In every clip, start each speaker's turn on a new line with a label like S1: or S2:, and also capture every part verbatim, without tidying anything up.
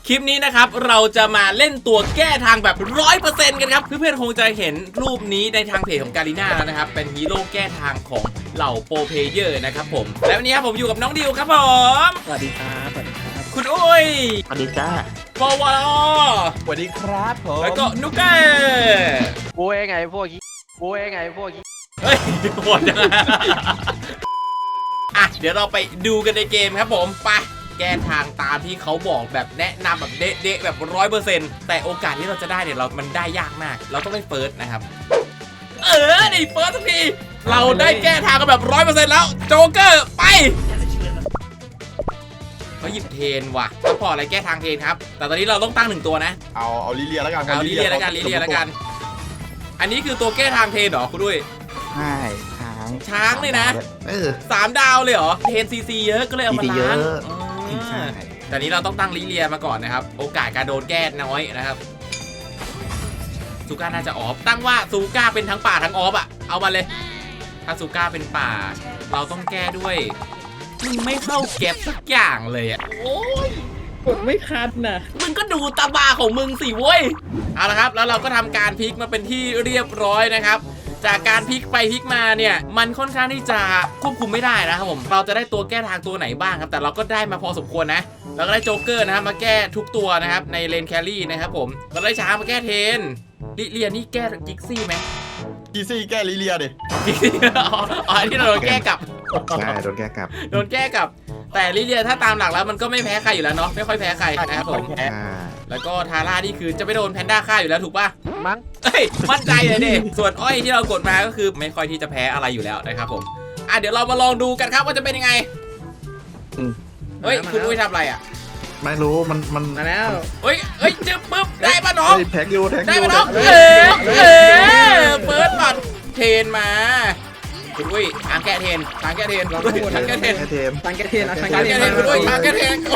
S1: คลิปนี้นะครับเราจะมาเล่นตัวแก้ทางแบบ ร้อยเปอร์เซ็นต์ กันครับเพื่อนๆคงจะเห็นรูปนี้ในทางเพจของการีน่าแล้วนะครับเป็นฮีโร่แก้ทางของเหล่าโปรเพลเยอร์นะครับผมแล้ววันนี้ครับผมอยู่กับน้องดิวครับผม
S2: สวัสดีครับสวัสดีครับ
S1: คุณอุ้ย
S3: สวัสดีจ้า
S1: ปวล
S2: สวัสดีครับผม
S1: แล้วก็นุกเก้
S4: กูเองไงพวกนี้กูเองไงพวกนี้
S1: เฮ้ยโหดจังอ่ะเดี๋ยวเราไปดูกันในเกมครับผมไปแก้ทางตามที่เขาบอกแบบแนะนำแบบเด๊ะๆแบบร้อยเปอร์เซ็นต์แต่โอกาสที่เราจะได้เนี่ยเรามันได้ยากมากเราต้องได้เฟิร์สนะครับเออได้เฟิร์สสักทีเราได้แก้ทางกันแบบร้อยเปอร์เซ็นต์แล้วโจ๊กเกอร์ไปเขาหยิบเทนว่ะก็พออะไรแก้ทางเทนครับแต่ตอนนี้เราต้องตั้งหนึ่งตัวนะ
S3: เอาเอาลิเลียแล้วกัน
S1: เอาลิเลียแล้วกันลิเลียแล้วกันอันนี้คือตัวแก้ทางเทนเหรอคุณด้วย
S3: ใช่ช้าง
S1: ช้างเลยนะ
S3: เออ
S1: สามดาวเลยเหรอเทนซีซีเยอะก็เลยเอามาล้าง
S3: ใช่
S1: แต่นี้เราต้องตั้งลิเลียมาก่อนนะครับโอกาสการโดนแก้น้อยนะครับซูก้าน่าจะออฟตั้งว่าซูก้าเป็นทั้งป่าทั้งออฟอะเอามาเลยถ้าซูก้าเป็นป่าเราต้องแก้ด้วยมึงไม่เข้าเก็บสักอย่างเลยอะโอ้ย
S2: กดไม่คัดนะ
S1: มึงก็ดูตาบาของมึงสิเว้ยเอาละครับแล้วเราก็ทำการพลิกมาเป็นที่เรียบร้อยนะครับจากการพลิกไปพลิกมาเนี่ยมันค่อนข้างที่จะควบคุมไม่ได้นะครับผมเราจะได้ตัวแก้ทางตัวไหนบ้างครับแต่เราก็ได้มาพอสมควรนะเราก็ได้โจ๊กเกอร์นะครับมาแก้ทุกตัวนะครับในเลนแครี่นะครับผมเราได้ช้างมาแก้เทนลิเลียนี่แก้กิกซี่ไหม
S3: กิกซี่แก้ลิเลียดิ
S1: อ๋ออันนี้เราโดนแก้กลับ
S3: ใช่โดนแก้กลับ
S1: โดนแก้กลับแต่ลิเลียถ้าตามหลักแล้วมันก็ไม่แพ้ใครอยู่แล้วเนาะไม่ค่อยแพ้ใครนะครับผมแล้วก็ทาร่านี่คือจะไม่โดนแพนด้าฆ่าอยู่แล้วถูกป่ะ
S4: มั้ง
S1: เฮ้ยมั่นใจเลยดิส่วนอ้อยที่เรากดมาก็คือไม่ค่อยที่จะแพ้อะไรอยู่แล้วนะครับผมอ่ะเดี๋ยวเรามาลองดูกันครับว่าจะเป็นยังไงเฮ้ยคุณอุ้ยทำอะไรอ่ะ
S3: ไม่รู้มันมัน
S2: มาแล้ว
S1: เฮ้ยเฮ้ยจึ๊บปึ๊บได้ป่ะน้อง
S3: แท็กยูแท็กยู
S1: ได้ป่ะน้องเออเออเปิดบัตรเทนมาคุณอุ้ยทางแก้เทนทางแก้เทนทางแก้เทน
S2: ทางแก้เทน
S1: ทางแก้เทนคุณอุ้ยทางแก้เทน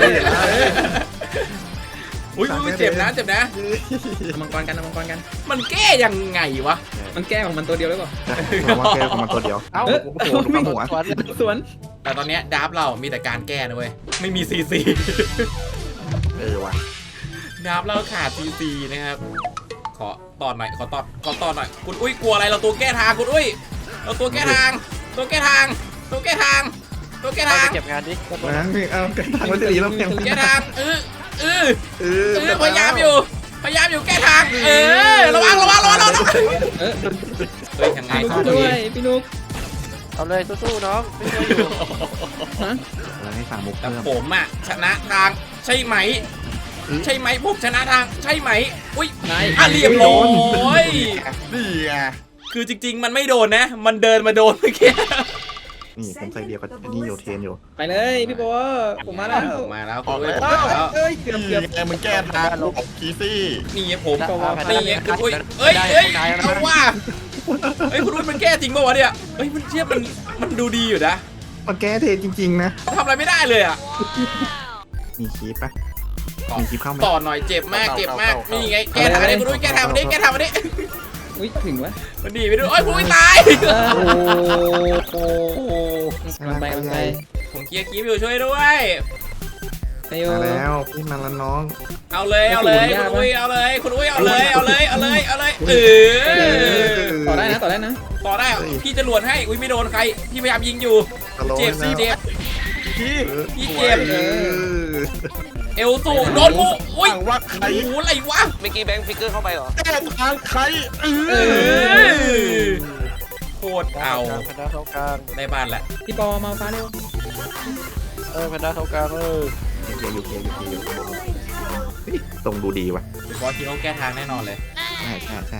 S1: อุ้ยอุ้ยเจ็บนะเจ็บนะ
S2: มังกรกันมังกรกัน
S1: มันแก้ยังไงวะ
S2: มันแก้ของมันตัวเดียวหรือเปล่า
S3: มันแก้ของมันตัวเดียว
S4: เอ้า
S2: โอ้โหหัวสวน
S1: แต่ตอนนี้ดับเรามีแต่การแก้นะเว้ยไม่มีซีซี
S3: เออว่ะ
S1: ดับเราขาดซีซีนะครับขอตอนหน่อยขอตอนขอตอนหน่อยคุณอุ้ยกลัวอะไรเราตัวแก้ทางคุณอุ้ยเราตัวแก้ทางตัวแก้ทางตัวแก้ทางตัวแก้ทาง
S4: เก็บงานดิ
S3: นะเอาแก้ทางมันจะดีแล้ว
S1: แก้ทางเออเออเออพยายามอยู่พยายามอยู่แก้ทางเออระวังระวังระวังระวังเฮ้ยยังไง
S2: พี่นุ๊กด้วยพี่นุ๊ก
S4: เอาเลยสู้ๆน้องไม่ช่วยอยู่
S2: ฮะ
S3: ให้สั่งมุก
S1: แต่ผมอ่ะชนะทางใช่ไหมใช่ไหมผมชนะทางใช่ไหมอุ้ยอ่ะเรียบร้อย
S3: นี่ไง
S1: คือจริงๆมันไม่โดนนะมันเดินมาโดนเมื่อกี้
S3: นี่ผมใส่เดียวกับนี่อยู่เทนอยู่
S2: ไปเลยพี่โบผมมาแล้ว
S1: ผมมาแล้วคุณ
S2: เอ้ยเกือบเกือบ
S3: มึงแก้ทางลงของคีซี่
S1: นี่ผมนี่คุณอุ้ยเอ้ยเอ้ยเอาว่าเฮ้ยคุณอุ้ยมันแก้จริงป่าวะเนี่ยเฮ้ยมันเทียบมันมันดูดีอยู่นะ
S3: มันแก้เทนจริงๆนะ
S1: ทำอะไรไม่ได้เลยอ่ะ
S3: มีคีปปะมีคีปเข้าไหม
S1: ต่อหน่อยเจ็บมากเจ็บมากนี่ไงแก้ทางนี้คุณอุ้ยแก้ทางนี้แก้ทางนี้
S2: อุ้ยถึงวะ
S1: มันดีไปด้วยโอ้ยคุณอุ้ยตาย
S2: โอ้โหไปไป
S1: ผมเกียร์กีบอยู่ช่วยด้วย
S3: มาแล้วพี่มาแล้วน้อง
S1: เอาเลยเอาเลยคุณอุ้ยเอาเลยคุณอุ้ยเอาเลยเอาเลยเอาเลยเอาเลยเอ
S2: อต่อได้นะต่อได้นะ
S1: ต่อได้พี่จะหลวนให้อุ้ยไม่โดนใครพี่พยายามยิงอยู่เจ็บสิเจ็บ
S3: พี่
S1: พี่เจ็บเอลสูโดนกูอุ้ย
S3: ว่าใคร
S1: โอ้อะไรวะ
S4: เมื่อกี้แบงค์ฟิกเกอร์เข้าไปเหรอ
S3: แก้ทางใคร
S1: เออโคตรเอา
S4: แพนด้าเข้ากลาง
S1: ในบ้านแหละ
S2: พี่ปอมาฟ้าเร็ว
S4: เออแพนด้าเข้ากลางเออ
S3: เกียร์อยู่เกียร์อยู่เกียร์อยู่ตรงดูดีว่ะ
S1: บอสทีเขาแก้ทางแน่นอนเลย
S3: ใช่ใช่ใช่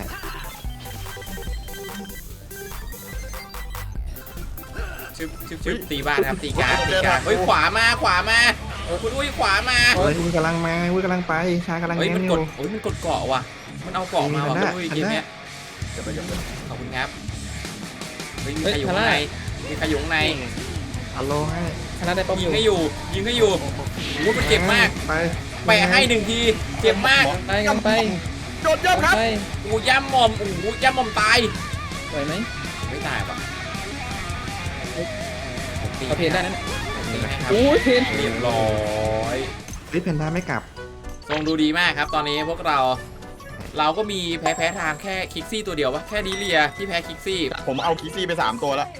S1: ชึบชึบชึบตีบ้านครับตีกลางตีกลางเฮ้ยขวามาขวามาคุณอุ้ยขวามา
S3: เฮ้ยมึงกำลังมามึงกำลังไปชากำลัง
S1: เฮ้ยมันกดเฮ้ยมันกดเกาะว่ะมันเอาเกาะมาว่ะคุณอุ้ยเกมเนี้ยขอบคุณครับเฮ้ยมีใครอยู่ข้างในมีใครอยู่ข้างใน
S3: ฮัลโหลให้
S2: คณะได้ป้อม
S1: ยิงให้อยู่ยิงให้อยู่โอ้มันเจ็บมาก
S3: ไป
S1: ไปให้หนึ่งทีเจ็บมาก
S2: ไปกันไป
S3: โดนย่ำครับ
S1: โอ้ย่ำหม่อมโอ้ย่ำหม่อมตาย
S2: ไหวไหม
S1: ไม่ตายป่ะ
S2: เอาเพนได้นั่น
S1: โอ้
S2: ยเพน
S1: เรียบร้อย
S3: พี่เพนด้าไม่กลับ
S1: ทรงดูดีมากครับตอนนี้พวกเราเราก็มีแพ้แพ้ทางแค่คิกซี่ตัวเดียววะแค่ดีเลียที่แพ้คิกซี่
S5: ผมเอาคิกซี่ไปสามตัวแล้ว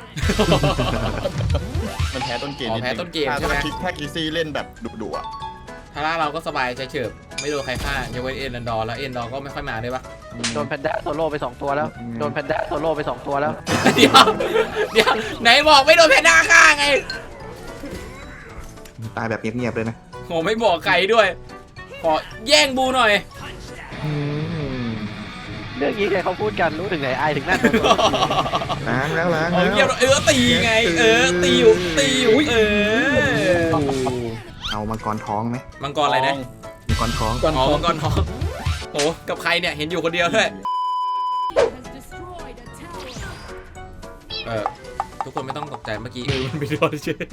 S5: มันแพ้ต้นเกม
S1: อ๋อ
S5: นิด
S1: แพ้
S5: นึง
S1: ต้นเกม
S5: ถ้า
S1: ใช่ไหม
S5: ถ้าคิกถ้าคิกซี่เล่นแบบดุๆอ่ะ
S1: ทาร่าเราก็สบายใจเฉิบไม่โดนใครฆ่ายกเว้นเอ็นดอร์แล้วเอ็นดอร์ก็ไม่ค่อยมาด้วยปะ
S4: โดนแพนด้าโซโล่ไปสองตัวแล้วโดนแพนด้าโซโล่ไปสองตัวแล้ว
S1: เดี๋ยวเดี๋ยวไหนบอกไม่โดนแพนด้าฆ่าไง
S3: ตายแบบเงียบๆเลยนะ
S1: โหไม่บอกใครด้วย ขอแย่งบูหน่อย
S3: อืม
S4: เรื่องนี้ใครเขาพูดกันรู้ถึงไหนไอายถึงนั่น
S3: ล้างแล้วล้าง
S1: เอา
S3: แล้ว
S1: เงียบเออตีไง เออตีอยู่ตีอยู่เออ
S3: เอามังกรท้องไหม
S1: มังกรอะไรนะ
S3: มังกรท้อง
S2: ก่อน
S1: อ๋อ
S2: ขอ
S1: มังกรทองโหกับใครเนี่ยเห็นอยู่คนเดียวด้วยเออทุกคนไม่ต้องตกใจเมื่อกี้มือมันไปโดนเฉย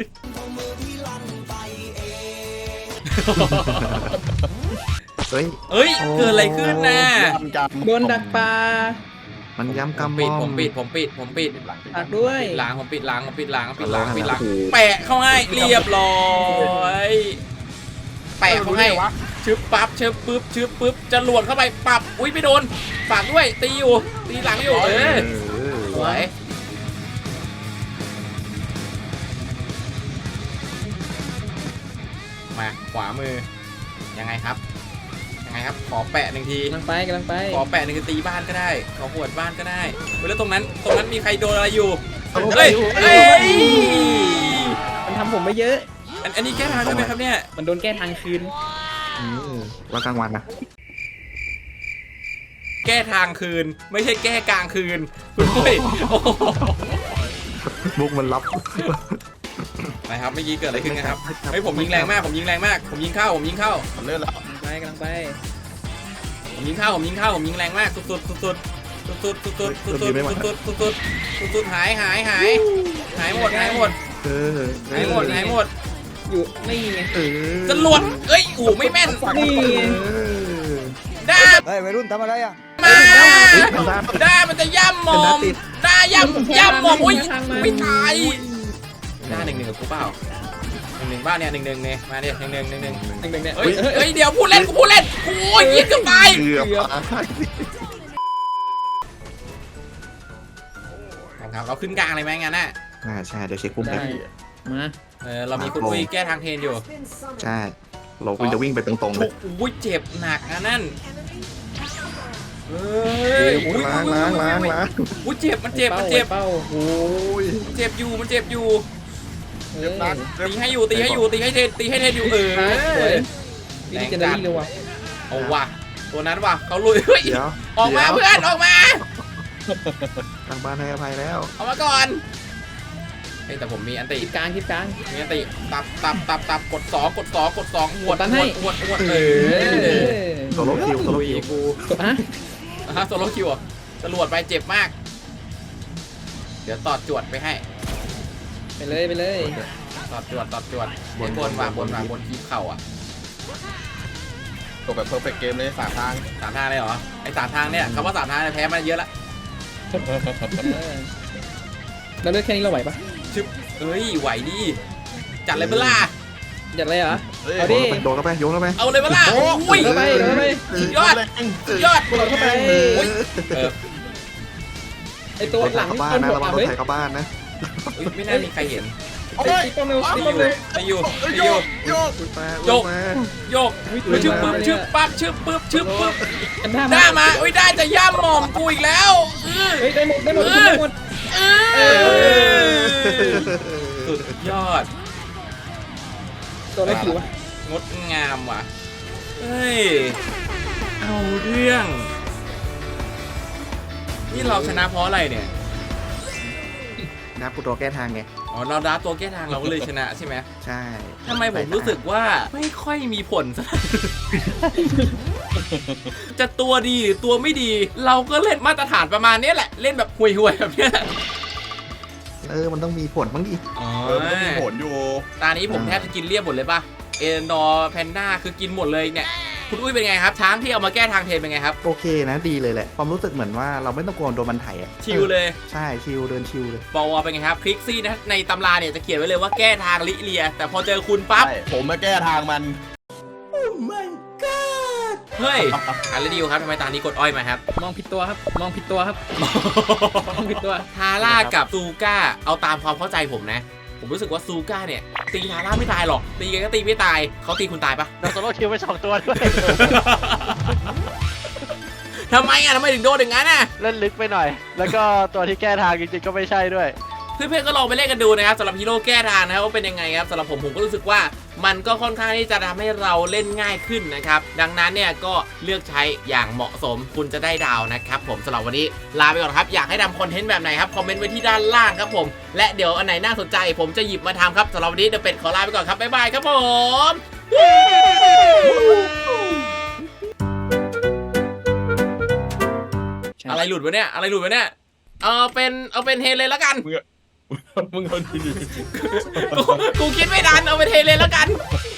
S3: เฮ้ย
S1: เอ้ยเกิดอะไรขึ้นน่ะ
S5: ยำกำ
S2: โดนดักปลา
S3: มันย้ำ
S1: ผม
S3: กำม
S1: ปิด
S3: อ
S1: ผมปิดผมปิดผมปิด
S2: ตักด้วย
S1: ปิดล้างผมปิดล้างผมปิดล้างปิดล้างปิดล้าง
S3: โอ้โห
S1: แปะเข้าให้เรียบร้อยแปะเข้าให้ชึบปั๊บชึบปึ๊บชึบปึ๊บจะหลวดเข้าไปปับอุ้ยไม่โดนฝากด้วยตีอยู่ตีหลังอยู่เออ
S3: เออ
S1: สวยมาขวามือยังไงครับยังไงครับขอแปะหนึ่งที
S2: กำลังไปกำลังไป
S1: ขอแปะหนึ่งทีตีบ้านก็ได้ขอหวดบ้านก็ได้เฮ้ยแล้วตรงนั้นตรงนั้นมีใครโดนอะไรอยู่เฮ้ยเฮ้ย
S2: มันทำผมไม่เยอะ
S1: อันอันนี้แก้ทางด้วยไหมครับเนี่ย
S2: มันโดนแก้ทางคืน
S3: อืมว่ากลางวันนะ
S1: แก้ทางคืนไม่ใช่แก้กลางคืนคุณปุ้ยโอ้โห
S3: บุกมันรับ
S1: นะครับเมื่อกี้เกิดอะไรขึ้นนะครับเฮ้ยผมยิงแรงมากผมยิงแรงมากผมยิงเข้าผมยิงเข้า
S5: มันเลื่อนแล้ว
S2: กำลังไปกำลังไป
S1: ผมยิงเข้าผมยิงเข้าผมยิงแรงมากสุดสุดสุดสุดสุดสุดสุดสุดสุดสุดสุดสุดสุดสุดสุดหายหายหายหายหมดหายหมด
S3: เออ
S1: หายหมดหายหมด
S2: อยู่นี่ไง
S3: เออ
S1: จรวดเอ้ยอู๋ไม่แม่น
S2: นี่ไง
S3: เออ
S1: ด้า
S6: เฮ้ยวัยรุ่นทำอะไรอ่ะ
S1: มาด้ามันจะย่ำหมอมด้าย่ำย่ำหมอมอุ้ยไม่ตายด้าหนึ่งหนึ่งกับกูเปล่าหนึ่งหนึ่งบ้านเนี่ยหนึ่งหนึ่งเนี่ยมาเนี่ยหนึ่งหนึ่งหนึ่งหนึ่ง
S2: หนึ่งหนึ่งเนี่ย
S1: เฮ้ยเฮ้ยเดี๋ยวพูดเล่นกูพูดเล่นโอ้ยยิงเกือบตาย
S3: เกือบตาย
S1: ครับเราขึ้นกลางเลยไหมงั้นน่ะ
S3: อ่าใช่เดี๋ยวเช็คพุ่ม
S2: ได้
S3: กัน
S2: มา
S1: เออเรามีคุณอุ้ยแก้ทางเทนอยู่
S3: ใช่เราควรจะวิ่งไปตรงๆเล
S1: ทุ
S3: ย
S1: กอุ้ยเจ็บหนักนะนั่นเฮ้ยอุ้ย
S3: ล้างล้างล้างล้าง
S1: อุ้ยเจ็บมันเจ็บมันเจ็บ
S2: เป้า
S3: โอ้ย
S1: มันเจ็บอยู่มันเจ็บอยู่
S2: เอ
S5: เจ็
S2: อบ
S5: นัด
S1: ตีให้อยู่ตีให้อยู่ตีให้เทนตีให้เทนอยู่เอ
S2: สวย
S1: อ
S2: นี่เจนเนอรี่เลยว่ะ
S1: เอาว่ะตัวนั้นว่ะเขาลุยเฮ้ย
S3: เดี๋ยว
S1: ออกมาเพื่อนออกมา
S3: ทางบ้านให้อภัยแล้ว
S1: ออกมาก่อนเฮ้ยแต่ผมมีอันติ
S2: คิดกลางคิดกลาง
S1: มีอันติตับตับตับตับกดสองกดสองกดสองหวด
S2: กดตันให้
S1: หวดหวดเอ
S2: เอ
S1: อ
S2: อ
S3: โซโลคิวโซโลคิว
S1: กู
S2: กดฮะ
S1: ฮะโซโลคิวอ่ะจรวดไปเจ็บมาก เดี๋ยวตอดจวดไปให้
S2: ไปเลยไปเลย
S1: ตอดจวดตอดจวดบนบนวางบนวางบนคีบเข่าอ่ะ
S5: ตกแบบเพอร์เฟกต์เกมเลยสามทาง
S1: สามทางเลยเหรอไอสามทางเนี่ยคำว่าสามทางเนี่ยแพ้มาเยอะละ
S2: เออเราเลือกแค่นี้เราไหวปะ
S1: ชึบเอ้ยไหวดิจัดเลยเปะล่า
S2: อยากเลยเหรอ
S5: เฮ้ย
S2: เอาดิ
S3: โดนเข้าไปโยนเข้าไป
S1: เอาเลยเปะล่า
S5: โอ้
S1: อุ้ย
S2: โดนเข้าไปโดนเข้าไป
S1: สุดยอด
S5: แรง
S1: สุดยอด
S2: กดเข้าไป
S1: โอ้ยเออ
S2: ไอตัวหลัง
S3: เข้า
S2: นี่
S3: บ้าน
S2: ต้น
S3: นะ
S2: หัว
S3: ระวังโด
S2: เฮ้
S3: น
S2: ย
S3: ไถเข้าบ้านนะ
S1: เอ้ยไม่น่ามีใครเห็น
S5: โอ้ย
S2: ตีป้อมเร็วตี
S1: ตี
S2: ป้อม
S1: อยู่
S2: เร็ว
S1: ตีอยู่
S5: เอ้ย
S1: ตี
S5: โย
S1: อยู่
S5: กโยก
S3: ขึ้นมา
S1: โยก
S3: ลงมา
S1: โยกชึบปึ๊บชึบปั๊บชึบปึ๊บชึบปึ๊บ
S2: กันท่า
S1: ได้
S2: มา
S1: มาอุ้ยได้จะย่ำหม่อมกูอีกแล้วอื้อ
S2: เฮ้ยได้หมดได้หมดได้หมด
S1: เออสุดยอด
S2: ตัวอะไรผิววะ
S1: งดงามว่ะ เฮ้ย เอาเรื่อง นี่เราชนะเพราะอะไรเนี่ย
S3: นับกูตัวแก้ทางไง
S1: อ๋อ เราดับตัวแก้ทางเราก็เลยชนะใช่ไหม
S3: ใช่
S1: ทำไมผมรู้สึกว่าไม่ค่อยมีผลสัก จะตัวดีหรือตัวไม่ดี เราก็เล่นมาตรฐานประมาณนี้แหละ เล่นแบบห่วยๆแบบเนี้ย
S3: เออมันต้องมีผลบ้างดิ
S1: อ๋อ
S5: เออมันต้องมีผลอยู่
S1: ตานี้ผมแทบจะกินเรียบหมดเลยป่ะ เอ็นดอร์แพนด้าคือกินหมดเลยเนี่ย คุณอุ้ยเป็นไงครับ ช้างที่เอามาแก้ทางเทนเป็นไงครับ
S3: โอเคนะดีเลยแหละความรู้สึกเหมือนว่าเราไม่ต้องกลัวโดนมันไถอ่ะ
S1: ชิลเลย
S3: ใช่ชิลเดินชิลเลย
S1: บอวเป็นไงครับคลิกซี่นะในตำราเนี่ยจะเขียนไว้เลยว่าแก้ทางลิเลีย แต่พอเจอคุณปั๊บ
S5: ใช่ผมมาแก้ทางมัน
S1: Oh my god เฮ้ยอะไรดิวครับทำไมตานี้กดอ้อยมาครับ
S2: มองผิดตัวครับ มองผิดตัวครับ มองผิดตัว
S1: ทาร่ากับซูก้าเอาตามความเข้าใจผมนะ ผมรู้สึกว่าซูก้าเนี่ยตีทาร่าไม่ตายหรอกตีกันก็ตีไม่ตายเขาตีคุณตายปะ
S4: โดนโซโล่คิวไปสองตัวด้วย
S1: ทำไมอ่ะทำไมถึงโดนอย่างนั้นอ่ะ
S4: เล่นลึกไปหน่อย แล้วก็ตัวที่แก้ทางจริงๆก็ไม่ใช่ด้วย
S1: เพื่อนๆก็ลองไปเล่นกันดูนะครับสำหรับฮีโร่แก้ทางนะครับว่าเป็นยังไงครับสำหรับผมผมก็รู้สึกว่ามันก็ค่อนข้างที่จะทำให้เราเล่นง่ายขึ้นนะครับดังนั้นเนี่ยก็เลือกใช้อย่างเหมาะสมคุณจะได้ดาวนะครับผมสำหรับวันนี้ลาไปก่อนครับอยากให้ทำคอนเทนต์แบบไหนครับคอมเมนต์ไว้ที่ด้านล่างครับผมและเดี๋ยวอันไหนน่าสนใจผมจะหยิบมาทำครับสำหรับวันนี้เดอะเป็ดขอลาไปก่อนครับบ๊ายบายครับผมอะไรหลุดวะเนี่ยอะไรหลุดวะเนี่ยเอาเป็นเอาเป็นเฮเลนแล้วกัน
S5: มึงเอาดี
S1: กูกูคิดไม่ทันเอาเป็นเฮเลนแล้วกัน
S5: ๆ